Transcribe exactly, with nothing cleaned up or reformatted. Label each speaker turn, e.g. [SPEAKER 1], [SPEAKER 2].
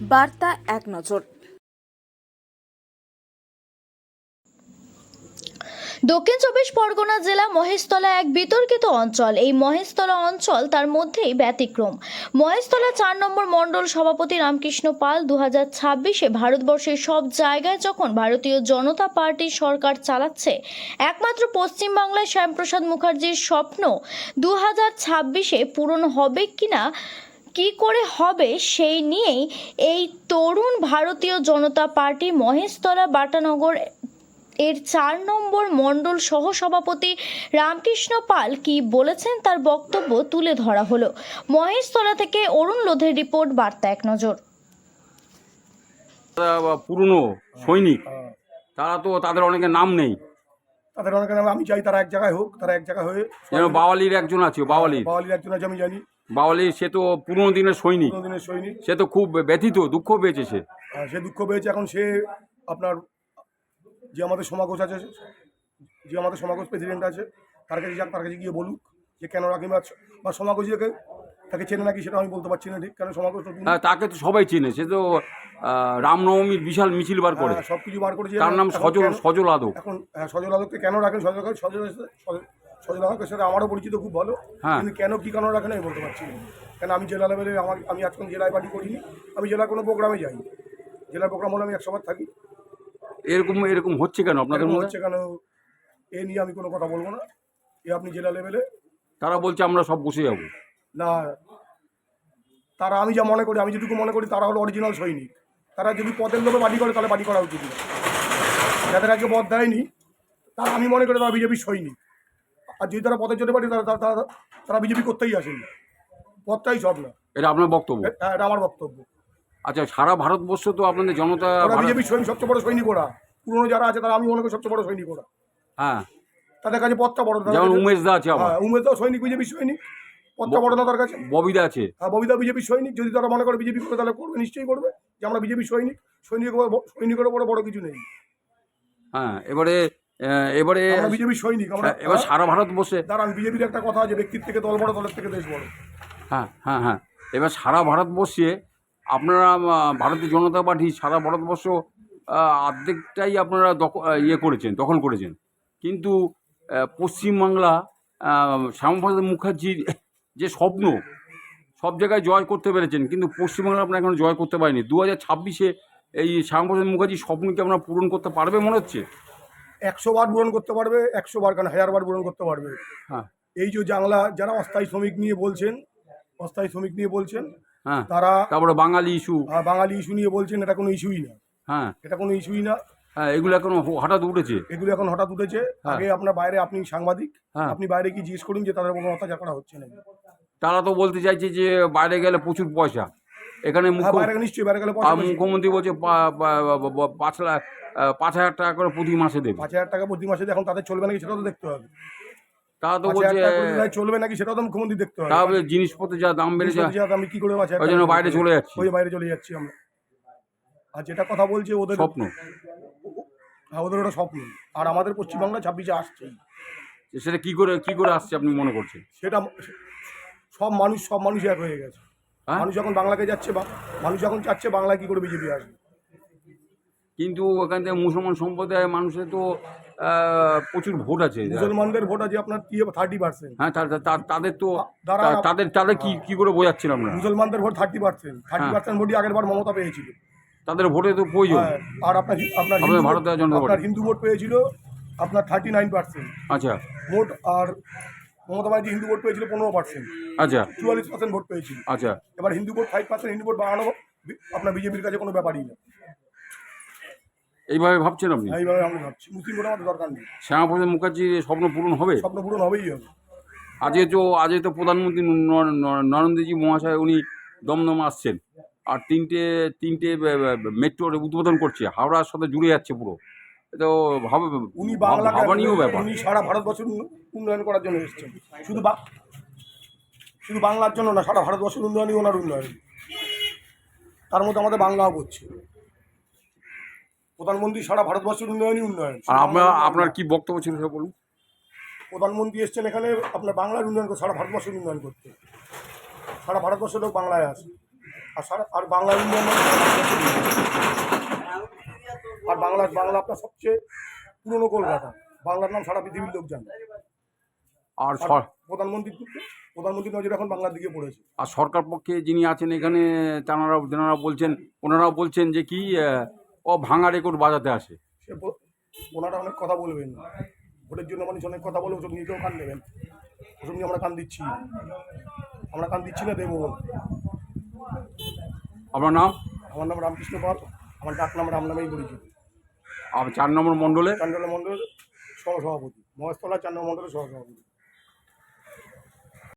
[SPEAKER 1] বার্তা এক নজর।
[SPEAKER 2] দক্ষিণ চব্বিশ পরগনা জেলা মহেশতলা এক বিতর্কিত অঞ্চল। এই মহেশতলা অঞ্চল তার মধ্যেই ব্যতিক্রম। মহেশতলা চার নম্বর মণ্ডল সভাপতি রামকৃষ্ণ পাল দু হাজার ছাব্বিশে ভারতবর্ষের সব জায়গায় যখন ভারতীয় জনতা পার্টির সরকার চালাচ্ছে, একমাত্র পশ্চিমবাংলায় শ্যামপ্রসাদ মুখার্জির স্বপ্ন দু হাজার ছাব্বিশে পূরণ হবে কিনা, কি করে হবে, সেই নিয়েই এই তরুণ ভারতীয় জনতা পার্টি মহেশতলা বাটানগর এর চার নম্বর মণ্ডল সহসভাপতি রামকৃষ্ণ পাল কি বলেছেন তার বক্তব্য তুলে ধরা হলো। মহেশতলা থেকে অরুণ লোধের রিপোর্ট, বার্তা এক নজর।
[SPEAKER 3] পুরনো সৈনিক, তারা তো তাদের অনেকের নাম নেই,
[SPEAKER 4] তাদের অনেকের নাম আমি চাই তারা এক জায়গায় হোক, তারা এক জায়গায় হয়ে
[SPEAKER 3] যেন বাওয়ালির একজন আছে, বাওয়ালির
[SPEAKER 4] বাওয়ালির একজন আছে আমি জানি।
[SPEAKER 3] বাওয়ালি সে তো পুরনো দিনের সৈনিক,
[SPEAKER 4] পুরোনো দিনের সৈনিক,
[SPEAKER 3] সে তো খুব ব্যথিত, দুঃখ পেয়েছে সে।
[SPEAKER 4] আর সে দুঃখ পেয়েছে। এখন সে আপনার যে আমাদের সমাগোষ আছে, যে আমাদের সমাগোষ প্রেসিডেন্ট আছে, তার কাছে যাক, তার কাছে গিয়ে বলুক যে কেন রাখি, বা সমাগোষীকে তাকে চেনে নাকি সেটা আমি বলতে পারছি না ঠিক, কারণ সমাগোষ
[SPEAKER 3] হ্যাঁ, তাকে তো সবাই চেনে, সে তো রামনবমীর বিশাল মিছিল বার করে,
[SPEAKER 4] সব কিছু বার করেছে।
[SPEAKER 3] তার নাম সজল সজল আদক।
[SPEAKER 4] এখন হ্যাঁ, সজল আদককে কেন রাখেন, সজল সজল সজল আদকের সাথে আমারও পরিচিত খুব ভালো, কিন্তু কেন কী কারণ রাখেন আমি বলতে পারছি না। কেন আমি জেলা লেভেলে আমার আমি আজকাল জেলায় পার্টি করিনি, আমি জেলার কোনো প্রোগ্রামে যাই, জেলার প্রোগ্রাম হলে আমি একসবার থাকি।
[SPEAKER 3] এরকম এরকম হচ্ছে কেন আপনাদের মধ্যে?
[SPEAKER 4] হচ্ছে কেন এ নিয়ে আমি কোনো কথা বলবো না। এ আপনি জেলা লেভেলে,
[SPEAKER 3] তারা বলছে আমরা সব বসে যাবো
[SPEAKER 4] না, তারা আমি যা মনে করি, আমি যেটুকু মনে করি তারা হলো অরিজিনাল সৈনিক। তারা যদি পদের লোভে বাড়ি করে তাহলে বাড়ি করা উচিত না। যাদের আজকে পদ দেয়নি তারা আমি মনে করি তারা বিজেপির সৈনিক, আর যদি তারা পদের জন্য বাড়ি তারা তারা তারা বিজেপি করতেই আসেনি, পদটাই সব না।
[SPEAKER 3] এটা আপনার বক্তব্য?
[SPEAKER 4] হ্যাঁ, এটা আমার বক্তব্য।
[SPEAKER 3] আচ্ছা, সারা ভারতবর্ষ তো আপনাদের জনতা
[SPEAKER 4] বিজেপির সৈনিক, সবচেয়ে বড় সৈনিক ওরা, পুরনো যারা আছে তারা আমি মনে করি সবচেয়ে বড় সৈনিক ওরা।
[SPEAKER 3] হ্যাঁ,
[SPEAKER 4] তাদের কাছে পদটা বড়,
[SPEAKER 3] যেমন উমেশ দা আছে,
[SPEAKER 4] হ্যাঁ উমেশ দাও সৈনিক, বিজেপির সৈনিক, পদটা বড় না তার কাছে।
[SPEAKER 3] ববিদা আছে,
[SPEAKER 4] হ্যাঁ ববিদা বিজেপির সৈনিক। যদি তারা মনে করে বিজেপি করবে তাহলে করবে, নিশ্চয়ই করবে, যে আমরা বিজেপির সৈনিক। সৈনিক সৈনিকের বড় বড় কিছু নেই।
[SPEAKER 3] হ্যাঁ, এবারে এবারে
[SPEAKER 4] আমরা বিজেপির সৈনিক। আমরা
[SPEAKER 3] এবার সারা ভারতবর্ষে
[SPEAKER 4] দাঁড়ান, বিজেপির একটা কথা আছে, ব্যক্তির থেকে দল বড়, দলের থেকে দেশ বড়।
[SPEAKER 3] হ্যাঁ হ্যাঁ হ্যাঁ এবার সারা ভারতবর্ষে আপনারা ভারতীয় জনতা পার্টি সারা ভারতবর্ষ অর্ধেকটাই আপনারা দখল ইয়ে করেছেন, দখল করেছেন, কিন্তু পশ্চিমবাংলা শ্যামাপ্রসাদ মুখার্জির যে স্বপ্ন সব জায়গায় জয় করতে পেরেছেন, কিন্তু পশ্চিমবাংলা আপনারা এখনো জয় করতে পারেনি। দু হাজার ছাব্বিশে এই শ্যামাপ্রসাদ মুখার্জির স্বপ্নকে আপনারা পূরণ করতে পারবে মনে হচ্ছে?
[SPEAKER 4] একশো বার পূরণ করতে পারবে, একশো বার কেন হাজার বার পূরণ করতে পারবে।
[SPEAKER 3] হ্যাঁ,
[SPEAKER 4] এই যে বাংলা যারা অস্থায়ী শ্রমিক নিয়ে বলছেন, অস্থায়ী শ্রমিক নিয়ে বলছেন,
[SPEAKER 3] হ্যাঁ,
[SPEAKER 4] তারা
[SPEAKER 3] তারপরে বাঙালি ইস্যু,
[SPEAKER 4] বাঙালি ইস্যু নিয়ে বলছেন, এটা কোনো ইস্যুই না।
[SPEAKER 3] হ্যাঁ,
[SPEAKER 4] এটা কোনো ইস্যুই না।
[SPEAKER 3] হ্যাঁ, এগুলো এখন হঠাৎ উঠেছে,
[SPEAKER 4] এগুলো এখন হঠাৎ উঠেছে। আগে আপনার বাইরে, আপনি সাংবাদিক, আপনি বাইরে কি জিজ্ঞেস করুন যে তাদের কোনো অত্যাচার করা হচ্ছে না।
[SPEAKER 3] তারা তো বলতে চাইছে যে বাইরে গেলে প্রচুর পয়সা, এখানে
[SPEAKER 4] নিশ্চয়ই বাইরে গেলে
[SPEAKER 3] মুখ্যমন্ত্রী বলছে পাঁচ লাখ পাঁচ হাজার টাকা করে প্রতি মাসে দেবে।
[SPEAKER 4] পাঁচ হাজার টাকা প্রতি মাসে এখন তাদের চলবে নাকি সেটাও তো দেখতে হবে।
[SPEAKER 3] তারা তো বলছে
[SPEAKER 4] চলবে নাকি সেটাও তো মুখ্যমন্ত্রী দেখতে হবে।
[SPEAKER 3] তাহলে জিনিসপত্রের যা দাম বেড়ে যায়,
[SPEAKER 4] আমি কি করে
[SPEAKER 3] ওই জন্য বাইরে চলে যাচ্ছি,
[SPEAKER 4] ওই বাইরে চলে যাচ্ছি আমরা। আর যেটা কথা বলছে ওদের
[SPEAKER 3] স্বপ্ন,
[SPEAKER 4] হ্যাঁ ওদের ওটা স্বপ্ন। আর আমাদের পশ্চিমবাংলা ছাব্বিশে আসছেই,
[SPEAKER 3] সেটা কি করে কি করে আসছে আপনি মনে করছেন?
[SPEAKER 4] সেটা সব মানুষ সব মানুষ এক হয়ে গেছে। মানুষ যখন বাংলাকে যাচ্ছে, মানুষ যখন চাচ্ছে বাংলায় কি করে বিজেপি আসবে।
[SPEAKER 3] কিন্তু ওখান থেকে মুসলমান সম্প্রদায়ের মানুষের তো প্রচুর ভোট আছে,
[SPEAKER 4] মুসলমানদের ভোট আছে আপনার কি থার্টি পার্সেন্ট।
[SPEAKER 3] হ্যাঁ, তাদের তো তাদের তাদের কি কি করে বোঝাচ্ছেন আপনারা?
[SPEAKER 4] মুসলমানদের vote thirty percent, thirty percent ভোটই আগের বার মমতা পেয়েছিল।
[SPEAKER 3] তাদের ভোটে তো প্রয়োজন।
[SPEAKER 4] আর আপনার আপনার
[SPEAKER 3] ভারতীয় জনতা পার্টি
[SPEAKER 4] হিন্দু ভোট পেয়েছিল আপনার থার্টি নাইন পার্সেন্ট
[SPEAKER 3] আচ্ছা
[SPEAKER 4] ভোট, আর মমতা ব্যানার্জি হিন্দু ভোট পেয়েছিল পনেরো পার্সেন্ট,
[SPEAKER 3] আচ্ছা
[SPEAKER 4] চুয়াল্লিশ পার্সেন্ট ভোট পেয়েছিল।
[SPEAKER 3] আচ্ছা,
[SPEAKER 4] এবার Hindu vote five percent, Hindu vote বাড়ানো আপনার বিজেপির কাছে কোনো ব্যাপারই না।
[SPEAKER 3] এইভাবে ভাবছেন আপনি?
[SPEAKER 4] এইভাবে আমি ভাবছি, মুসলিম ভোট আমাদের দরকার নেই।
[SPEAKER 3] শ্যামাপ্রসাদ মুখার্জির স্বপ্ন পূরণ হবে,
[SPEAKER 4] স্বপ্ন পূরণ হবেই হবে।
[SPEAKER 3] আজকে তো আজকে তো প্রধানমন্ত্রী নরেন্দ্রজি মহাশয় উনি দমদম আসছেন, আর তিনটে তিনটে মেট্রোর উদ্বোধন করছে, হাওড়ার সাথে জুড়ে যাচ্ছে পুরো। তো ভাবে
[SPEAKER 4] উনি বাংলা
[SPEAKER 3] ভাবানীয় ব্যাপার।
[SPEAKER 4] উনি সারা ভারতবর্ষের উন্নয়ন করার জন্য এসেছেন, শুধু শুধু বাংলার জন্য না, সারা ভারতবর্ষের উন্নয়নই ওনার উন্নয়ন। তার মধ্যে আমাদের বাংলাও করছে। প্রধানমন্ত্রী সারা ভারতবর্ষের উন্নয়নই উন্নয়ন।
[SPEAKER 3] আর আপনার আপনার কি বক্তব্য ছিল সেটা বলুন।
[SPEAKER 4] প্রধানমন্ত্রী এসছেন এখানে আপনার বাংলার উন্নয়ন করতে, সারা ভারতবর্ষের উন্নয়ন করতে। সারা ভারতবর্ষের লোক বাংলায় আসে। আর সারা আর বাংলা ইন্ডিয়ান আর বাংলা বাংলা আপনার সবচেয়ে পুরনো কলকাতা, বাংলার নাম সারা পৃথিবীর লোক জানে।
[SPEAKER 3] আর
[SPEAKER 4] আর
[SPEAKER 3] সর-
[SPEAKER 4] প্রধানমন্ত্রী প্রধানমন্ত্রী নজর এখন বাংলার দিকে পড়েছে।
[SPEAKER 3] আর সরকার পক্ষে যিনি আছেন এখানে তাঁরা তেনারা বলছেন ওনারাও বলছেন যে কি আহ, ও ভাঙা রেকর্ড বাজাতে আসে।
[SPEAKER 4] সে ব- ওনারা অনেক কথা বলবেন, ভোটের জন্য মানুষ অনেক কথা বলে, ওসব নিজেও কান নেবেন। ওসব নিয়ে আমরা কান দিচ্ছি, আমরা কান দিচ্ছি না, দেবো।
[SPEAKER 3] আপনার নাম?
[SPEAKER 4] আমার নাম রামকৃষ্ণ পাল, আমার ডাক নাম রাম নামেই পরিচিত।
[SPEAKER 3] আর চার নম্বর মণ্ডলে
[SPEAKER 4] চান্ডাল মণ্ডলের সহসভাপতি, মহেশতলা চার নম্বর মণ্ডলের সহসভাপতি।